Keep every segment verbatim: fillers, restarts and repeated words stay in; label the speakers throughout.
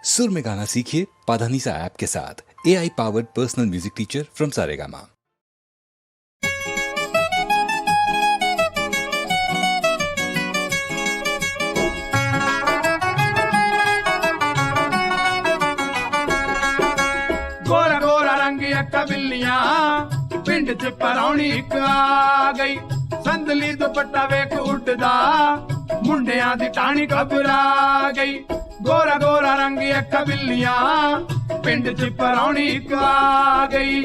Speaker 1: सुर में गाना सीखिए पाधानीसा ऐप के साथ। A I powered personal music teacher from Saregama.
Speaker 2: गोरा गोरा रंगिया कबिलियां पिंड च परौनी एक आ गई। संदली दुपट्टा वेख उड़दा मुंडियां दी टाणी घबरा गई। गोरा गोरा रंगिया कबिलियां पिंड च परौनी एक आ गई।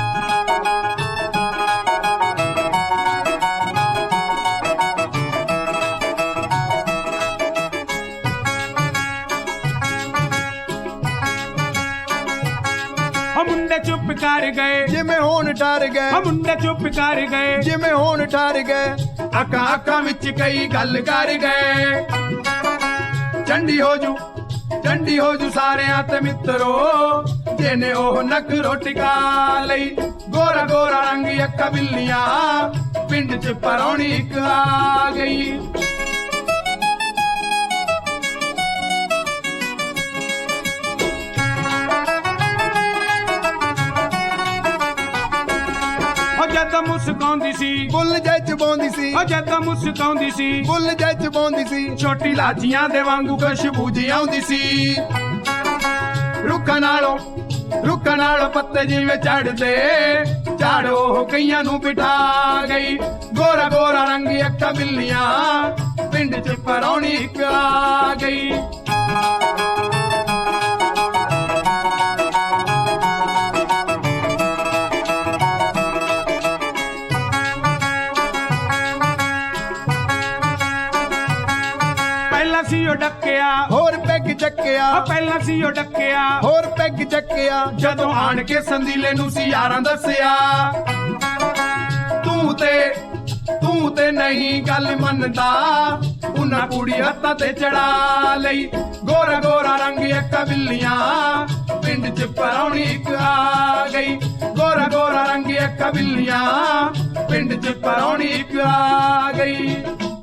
Speaker 2: मुंडे चुप कर गए
Speaker 3: जिमें होन ठर गए,
Speaker 2: मुंडे चुप कर गए
Speaker 3: जिमें होन ठर गए।
Speaker 2: अक्का अक्का विच कई गल कर गए। चंडी हो जू चंडी हो जू सारे ते मित्रो जेने ओह नखरो टिका लई। गोरा गोरा रंग अक्का बिल्लियां पिंड च परौनी एक आ गई। जद मुस्काउंदी सी
Speaker 3: बुल जज बोंदी सी,
Speaker 2: जद मुस्काउंदी सी
Speaker 3: बुल जज बोंदी सी।
Speaker 2: छोटी लाचियां दे वांगू खुशबू जी आउंदी सी। रुखा नालों रुखा नालों पत्ते जिवें चढ़दे झाड़ो कईयां नू बिठा गई। गोरा गोरा रंगी अक्का बिल्लियां पिंड च परौनी एक आ गई। ਸੀ ਉਹ ਡੱਕਿਆ
Speaker 3: ਹੋਰ ਪੈਗ ਚੱਕਿਆ,
Speaker 2: ਪਹਿਲਾਂ ਸੀ ਉਹ ਡੱਕਿਆ
Speaker 3: ਹੋਰ ਪੈਗ ਚੱਕਿਆ।
Speaker 2: ਜਦੋਂ ਆਣ ਕੇ ਸੰਦੀਲੇ ਨੂੰ ਸੀ ਯਾਰਾਂ ਦੱਸਿਆ। ਤੂੰ ਤੇ ਤੂੰ ਤੇ ਨਹੀਂ ਗੱਲ ਮੰਨਦਾ ਉਹਨਾਂ ਕੁੜੀ ਹੱਥਾਂ ਤੇ ਚੜਾ ਲਈ। ਗੋਰਾ ਗੋਰਾ ਰੰਗ ਅੱਖਾਂ ਬਿੱਲੀਆਂ ਪਿੰਡ ਚ ਪਰੌਣੀ ਇੱਕ ਆ ਗਈ। ਗੋਰਾ ਗੋਰਾ ਰੰਗ ਅੱਖਾਂ ਬਿੱਲੀਆਂ ਪਿੰਡ ਚ ਪਰੌਣੀ ਇੱਕ ਆ ਗਈ।